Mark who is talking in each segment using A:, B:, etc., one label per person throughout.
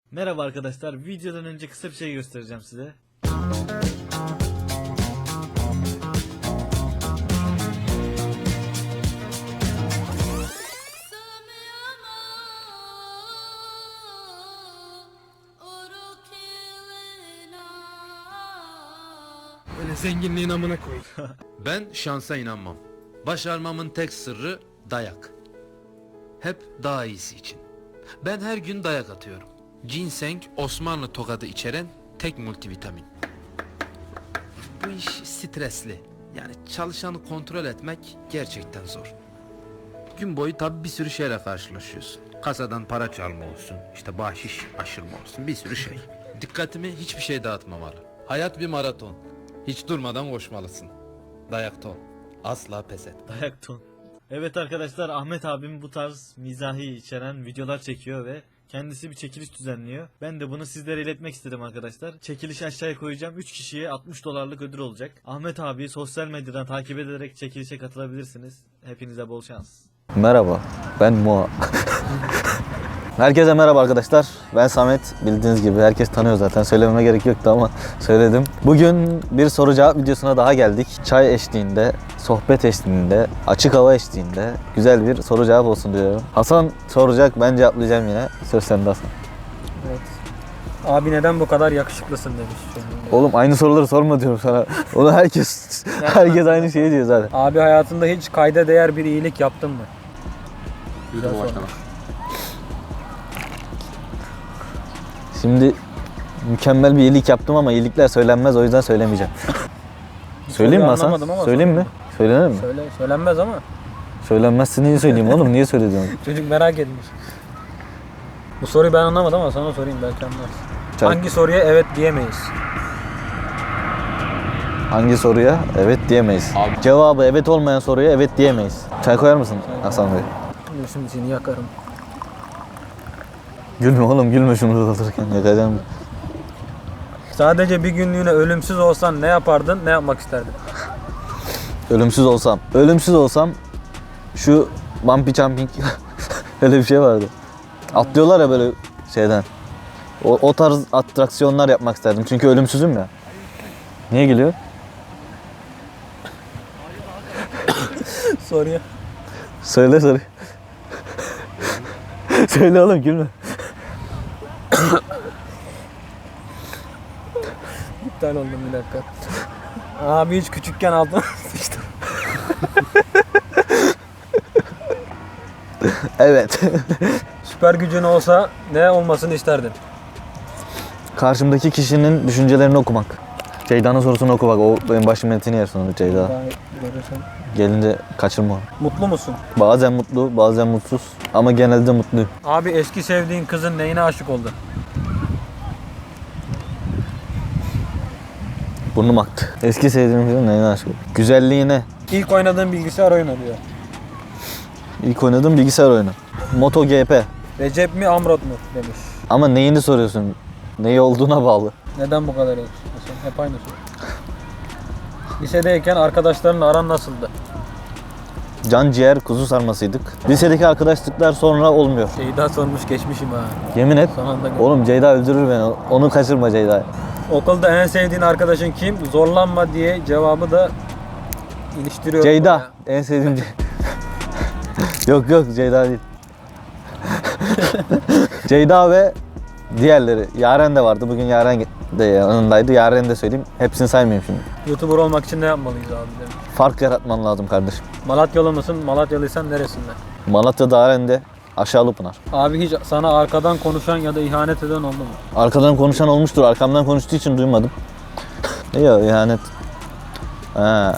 A: Merhaba arkadaşlar, videodan önce kısa bir şey göstereceğim size.
B: Öyle zenginliğin amına koy.
C: Ben şansa inanmam. Başarmamın tek sırrı dayak. Hep daha iyisi için. Ben her gün dayak atıyorum. Ginseng Osmanlı tokadı içeren tek multivitamin. Bu iş stresli. Yani çalışanı kontrol etmek gerçekten zor. Gün boyu tabi bir sürü şeyle karşılaşıyorsun. Kasadan para çalma olsun, işte bahşiş aşırma olsun, bir sürü şey. Dikkatimi hiçbir şey dağıtmamalı. Hayat bir maraton. Hiç durmadan koşmalısın. Dayakta ol. Asla pes et.
A: Dayak ton. Evet arkadaşlar, Ahmet abim bu tarz mizahi içeren videolar çekiyor ve kendisi bir çekiliş düzenliyor. Ben de bunu sizlere iletmek istedim arkadaşlar. Çekilişi aşağıya koyacağım. 3 kişiye 60 dolarlık ödül olacak. Ahmet abi sosyal medyadan takip ederek çekilişe katılabilirsiniz. Hepinize bol şans.
D: Merhaba, ben Moa. Herkese merhaba arkadaşlar. Ben Samet. Bildiğiniz gibi herkes tanıyor zaten. Söylememe gerek yoktu ama söyledim. Bugün bir soru cevap videosuna daha geldik. Çay eşliğinde, sohbet eşliğinde, açık hava eşliğinde güzel bir soru cevap olsun diyorum. Hasan soracak, ben cevaplayacağım yine. Söz sende Hasan.
E: Evet. Abi neden bu kadar yakışıklısın demiş.
D: Oğlum aynı soruları sorma diyorum sana. Onu herkes aynı şeyi diyor zaten.
E: Abi hayatında hiç kayda değer bir iyilik yaptın mı? Güzel soru.
D: Şimdi mükemmel bir iyilik yaptım ama iyilikler söylenmez, o yüzden söylemeyeceğim. Söyleyeyim mi Hasan?
E: Anlamadım ama
D: Söyleyeyim mi? Söylenir mi?
E: Söylenmez ama.
D: Söylenmezse niye söyleyeyim oğlum? Niye söylüyorsun?
E: Çocuk merak etmiş. Bu soruyu ben anlamadım ama sana sorayım belki anlarsın.
D: Çay.
E: Hangi soruya evet diyemeyiz?
D: Hangi soruya evet diyemeyiz? Cevabı evet olmayan soruya evet diyemeyiz. Çay koyar mısın Hasan Bey?
E: Şimdi seni yakarım.
D: Gülme oğlum, gülme şunu alırken yakacağım.
E: Sadece bir günlüğüne ölümsüz olsan ne yapardın, ne yapmak isterdin?
D: Ölümsüz olsam şu bumpy jumping öyle bir şey vardı. Atlıyorlar ya böyle şeyden. O tarz atraksiyonlar yapmak isterdim çünkü ölümsüzüm ya. Niye gülüyor?
E: Soruya.
D: Söyle. Söyle oğlum, gülme.
E: İptal oldum bir dakika. Abi hiç küçükken aldım. İşte.
D: Evet.
E: Süper gücün olsa ne olmasını isterdin?
D: Karşımdaki kişinin düşüncelerini okumak. Ceyda'nın sorusunu oku bak, o benim başım etini yer sonunda Ceyda.
E: Daha görürsen.
D: Gelince kaçırma onu.
E: Mutlu musun?
D: Bazen mutlu, bazen mutsuz ama genelde mutluyum.
E: Abi eski sevdiğin kızın neyine aşık oldun?
D: Burnum aktı. Eski sevdiğim kızın neyine aşık oldum? Güzelliğine.
E: İlk oynadığın bilgisayar oyunu diyor.
D: İlk oynadığım bilgisayar oyunu. MotoGP.
E: Recep mi Amrot mu demiş.
D: Ama neyini soruyorsun? Neyi olduğuna bağlı.
E: Neden bu kadar yakışıklısın? Hep aynı soru. Lisedeyken arkadaşlarınla aran nasıldı?
D: Can ciğer kuzu sarmasıydık. Lisedeki arkadaşlıklar sonra olmuyor.
E: Ceyda sormuş geçmişim ha.
D: Yemin et.
E: Son anda gör.
D: Oğlum Ceyda öldürür beni. Onu kaçırma Ceyda.
E: Okulda en sevdiğin arkadaşın kim? Zorlanma diye cevabı da iliştiriyorum.
D: Ceyda. En sevdiğim Yok Ceyda değil. Ceyda ve diğerleri. Yaren de vardı. Bugün Yaren de yanındaydı. Yaren'i de söyleyeyim. Hepsini saymayayım şimdi.
E: YouTuber olmak için ne yapmalıyız abi demiş.
D: Fark yaratman lazım kardeşim.
E: Malatyalı mısın? Malatyalıysan neresinden?
D: Malatya'da Yaren'de Aşağılıpınar.
E: Abi hiç sana arkadan konuşan ya da ihanet eden oldu mu?
D: Arkadan konuşan olmuştur. Arkamdan konuştuğu için duymadım. Ya ihanet. Ha.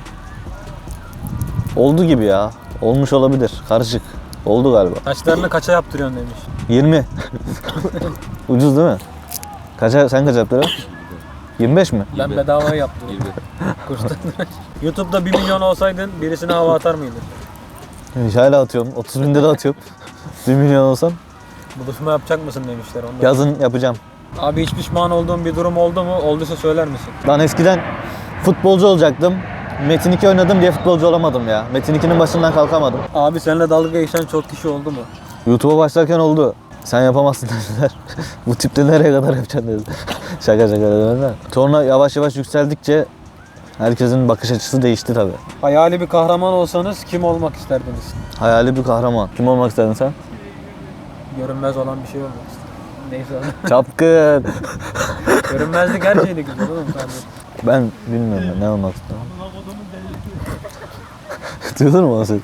D: Oldu gibi ya. Olmuş olabilir. Karışık. Oldu galiba.
E: Saçlarını kaça yaptırıyorsun demiş.
D: 20. Ucuz değil mi? Sen kaç yaptırıyorsun? 25 mi?
E: Ben bedavaya yaptım. Kurstan. YouTube'da 1 milyon olsaydın birisine hava atar mıydın?
D: Hala atıyorum. 30 binde de atıyorum. 1 milyon olsam
E: Buluşma yapacak mısın demişler. Ondan.
D: yazın yapacağım.
E: Abi hiç pişman olduğun bir durum oldu mu? Olduysa söyler misin?
D: Ben eskiden futbolcu olacaktım. Metin 2 oynadım diye futbolcu olamadım ya. Metin 2'nin başından kalkamadım.
E: Abi seninle dalga geçen çok kişi oldu mu?
D: YouTube'a başlarken oldu. Sen yapamazsın dediler. Bu tipte nereye kadar yapacaksın dediler. Şaka dediler. Sonra yavaş yavaş yükseldikçe herkesin bakış açısı değişti tabii.
E: Hayali bir kahraman olsanız kim olmak isterdiniz?
D: Hayali bir kahraman. Kim olmak istedin sen?
E: Görünmez olan bir şey olmak isterdim. Neyse.
D: Çapkın.
E: Görünmezlik her şeyde güzel oğlum kardeşim.
D: Ben bilmiyorum ne olmak istedim. Duydun mu o ses?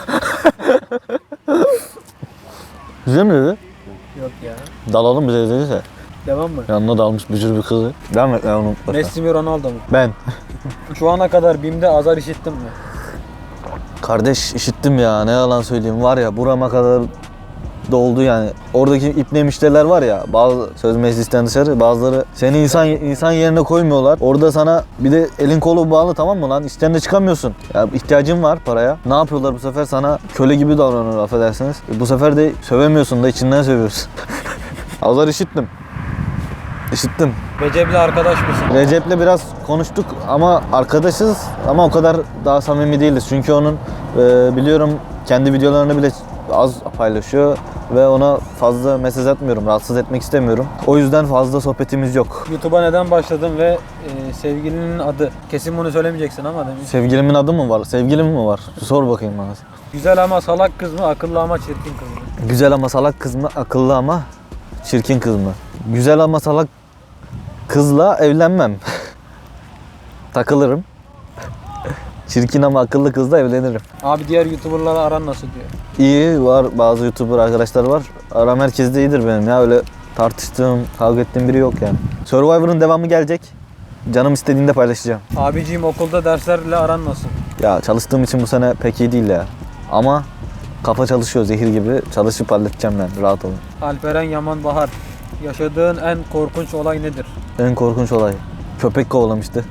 D: Güzel mi dedi?
E: Yok ya.
D: Dalalım bize dediyse.
E: Devam mı?
D: Yanına dalmış bücür bir kızı. Devam et onu.
E: Messi mi Ronaldo mu?
D: Ben.
E: Şu ana kadar BİM'de azar işittin mi?
D: Kardeş işittim ya ne yalan söyleyeyim var ya burama kadar doldu yani. Oradaki ipne müşteriler var ya bazı söz meclisten dışarı bazıları seni insan yerine koymuyorlar. Orada sana bir de elin kolu bağlı tamam mı lan işten de çıkamıyorsun. Ya ihtiyacın var paraya. Ne yapıyorlar bu sefer sana köle gibi davranıyor affedersiniz. Bu sefer de sövemiyorsun da içinden sövüyorsun. Azar işittim. İşittim.
E: Recep'le arkadaş mısın?
D: Recep'le biraz konuştuk ama arkadaşız ama o kadar daha samimi değiliz. Çünkü onun biliyorum kendi videolarını bile az paylaşıyor ve ona fazla mesaj atmıyorum, rahatsız etmek istemiyorum. O yüzden fazla sohbetimiz yok.
E: YouTube'a neden başladın ve sevgilinin adı? Kesin bunu söylemeyeceksin ama demin.
D: Sevgilimin adı mı var? Sevgilim mi var? Sor bakayım bana.
E: Güzel ama salak kız mı, akıllı ama çirkin kız mı?
D: Güzel ama salak kız mı? Akıllı ama çirkin kız mı? Güzel ama salak kızla evlenmem. Takılırım. Çirkin ama akıllı kızla evlenirim.
E: Abi diğer YouTuber'larla aran nasıl diyor?
D: İyi var bazı YouTuber arkadaşlar var. Aram herkeste iyidir benim ya öyle tartıştığım, kavga ettiğim biri yok yani. Survivor'ın devamı gelecek. Canım istediğinde paylaşacağım.
E: Abiciğim okulda derslerle aran nasıl?
D: Ya çalıştığım için bu sene pek iyi değil ya. Ama kafa çalışıyor zehir gibi. Çalışıp halledeceğim ben rahat olun.
E: Alperen Yaman Bahar. Yaşadığın en korkunç olay nedir?
D: En korkunç olay. Köpek kovalamıştı.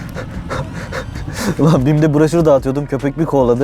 D: Ulan BİM'de broşür dağıtıyordum. Köpek bir kovaladı.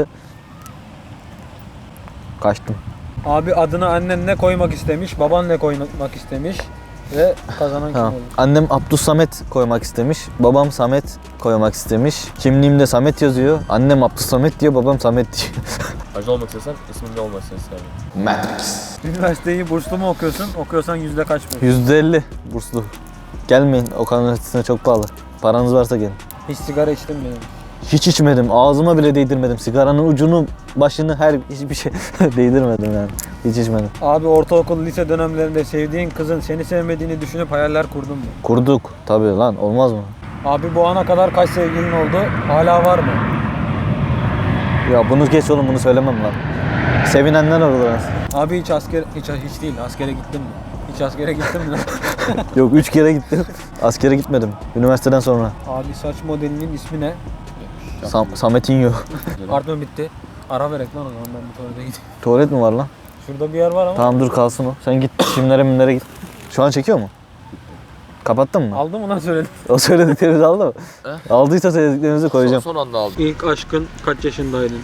D: Kaçtım.
E: Abi adını annen ne koymak istemiş, baban ne koymak istemiş ve kazanan kim
D: Ha.
E: olur?
D: Annem Abdüssamet koymak istemiş. Babam Samet koymak istemiş. Kimliğimde Samet yazıyor. Annem Abdüssamet diyor, babam Samet diyor.
F: Hacı olmak istesen ismin ne olmasını isterdin?
D: Matrix.
E: Üniversiteyi burslu mu okuyorsun? Okuyorsan yüzde kaç mı?
D: %50 burslu. Gelmeyin Okan Üniversitesi'ne çok pahalı. Paranız varsa gelin.
E: Hiç sigara içtin mi?
D: Hiç içmedim. Ağzıma bile değdirmedim. Sigaranın ucunu, başını hiçbir şey değdirmedim yani. Hiç içmedim.
E: Abi ortaokul, lise dönemlerinde sevdiğin kızın seni sevmediğini düşünüp hayaller kurdun mu?
D: Kurduk. Tabii lan olmaz mı?
E: Abi bu ana kadar kaç sevgilin oldu? Hala var mı?
D: Ya bunu geç oğlum bunu söylemem lan. Sevinenler olur aslında.
E: Abi hiç değil. Askere gittin mi? Hiç askere gittin mi?
D: Yok 3 kere gittim. Askere gitmedim. Üniversiteden sonra.
E: Abi saç modelinin ismi ne?
D: Sametinho.
E: Pardon bitti. Ara verek lan o zaman ben bir tuvalete gideyim.
D: Tuvalet mi var lan?
E: Şurada bir yer var ama.
D: Tamam dur kalsın o. Sen git çimlere git. Şu an çekiyor mu? Kapattın mı?
E: Aldı mı lan söyledim.
D: O söylediklerinizi aldı mı? Aldıysa söylediklerinizi koyacağım.
F: Son anda aldım.
E: İlk aşkın kaç yaşındaydın?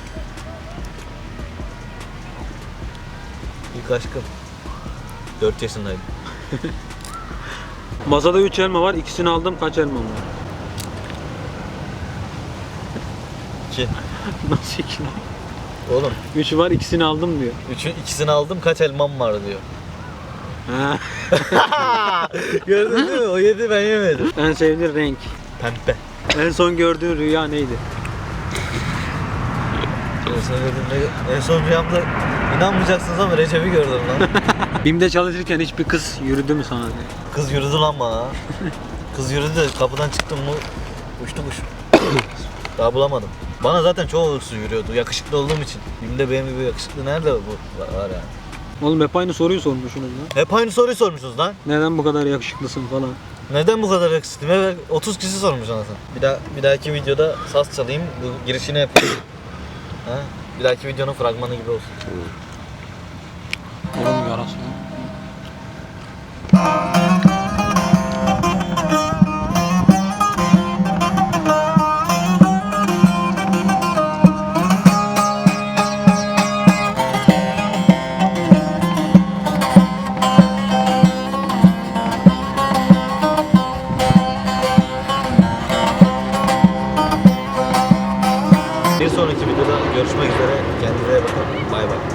D: İlk aşkım. 4 yaşındaydım.
E: Masada 3 elma var. İkisini aldım. Kaç elmam var?
D: 2.
E: Nasıl 2?
D: Oğlum
E: 3 var. İkisini aldım diyor.
D: ikisini aldım kaç elmam var diyor.
E: Ha.
D: Gördün değil mi? O yedi ben yemedim.
E: En sevdiğin renk.
D: Pembe.
E: En son gördüğün rüya neydi?
D: En son rüyamda inanmayacaksınız ama Recep'i gördüm lan.
E: BİM'de çalışırken hiçbir kız yürüdü mü sana diye.
D: Kız yürüdü lan bana. Kız yürüdü de kapıdan çıktım mı uçtu kuş. Daha bulamadım. Bana zaten çoğu hırsı yürüyordu yakışıklı olduğum için. Şimdi benim gibi yakışıklı nerede bu var yani.
E: Oğlum hep aynı soruyu sormuşsunuz lan.
D: Hep aynı soruyu sormuşsunuz lan.
E: Neden bu kadar yakışıklısın falan.
D: Neden bu kadar yakışıklıyım? Evet 30 kişi sormuş anasını. Bir dahaki videoda saz çalayım. Bu girişini yapayım. Ha? Bir dahaki videonun fragmanı gibi olsun.
E: Oğlum yarası.
D: Bir sonraki videoda görüşmek üzere. Kendinize iyi bakın. Bay bay.